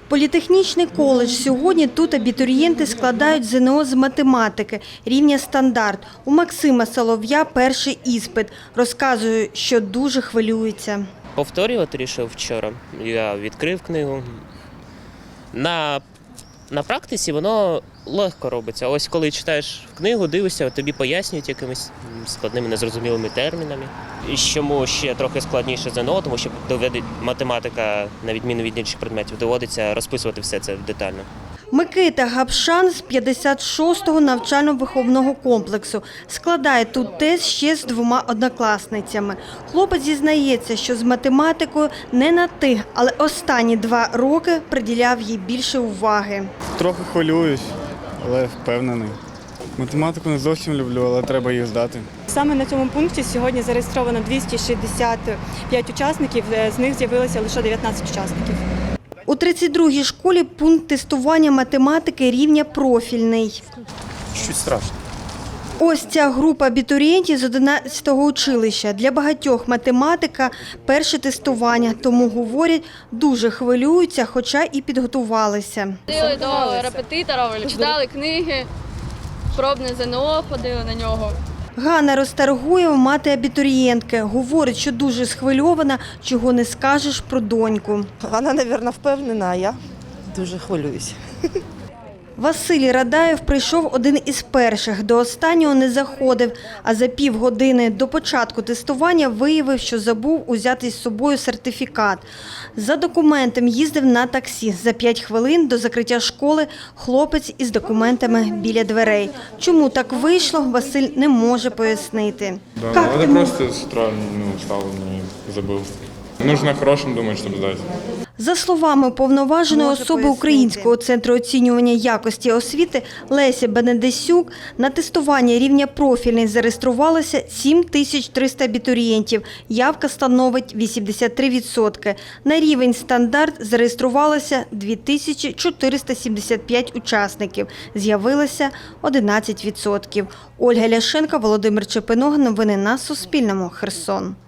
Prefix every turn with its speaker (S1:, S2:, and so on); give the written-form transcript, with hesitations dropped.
S1: Політехнічний коледж. Сьогодні тут абітурієнти складають ЗНО з математики рівня стандарт. У Максима Солов'я перший іспит. Розказує, що дуже хвилюється.
S2: Повторювати рішив вчора. Я відкрив книгу. На практиці воно легко робиться. Ось коли читаєш книгу, дивишся, тобі пояснюють якимись складними, незрозумілими термінами. І чому ще трохи складніше ЗНО, тому що математика, на відміну від інших предметів, доводиться розписувати все це детально.
S1: Микита Гапшан з 56-го навчально-виховного комплексу. Складає тут тест ще з 2 однокласницями. Хлопець зізнається, що з математикою не на «ти», але останні 2 роки приділяв їй більше уваги.
S3: Трохи хвилююсь, але впевнений. Математику не зовсім люблю, але треба її здати.
S4: Саме на цьому пункті сьогодні зареєстровано 265 учасників, з них з'явилося лише 19 учасників.
S1: У 32-й школі пункт тестування математики рівня профільний.
S2: Щось страшне.
S1: Ось ця група абітурієнтів з 11-го училища. Для багатьох математика – перше тестування, тому, говорять, дуже хвилюються, хоча і підготувалися.
S5: Ходили до репетитора, читали книги, пробне ЗНО, ходили на нього.
S1: Ганна Ростаргуєва – мати абітурієнтки. Говорить, що дуже схвильована, чого не скажеш про доньку.
S6: Вона, мабуть, впевнена, а я дуже хвилююся.
S1: Василій Радаєв прийшов один із перших. До останнього не заходив, а за півгодини до початку тестування виявив, що забув узяти з собою сертифікат. За документом їздив на таксі. За 5 хвилин до закриття школи хлопець із документами біля дверей. Чому так вийшло, Василь не може пояснити.
S7: Да, надо просто с утра устал, не забыл. Нужно хорошим думать, чтобы сдать.
S1: За словами уповноваженої особи Українського центру оцінювання якості освіти Лесі Бенедесюк, на тестування рівня профільний зареєструвалося 7300 абітурієнтів. Явка становить 83%. На рівень стандарт зареєструвалося 2475 учасників. З'явилося 11%. Ольга Ляшенко, Володимир Чепиnog. Новини на Суспільному. Херсон.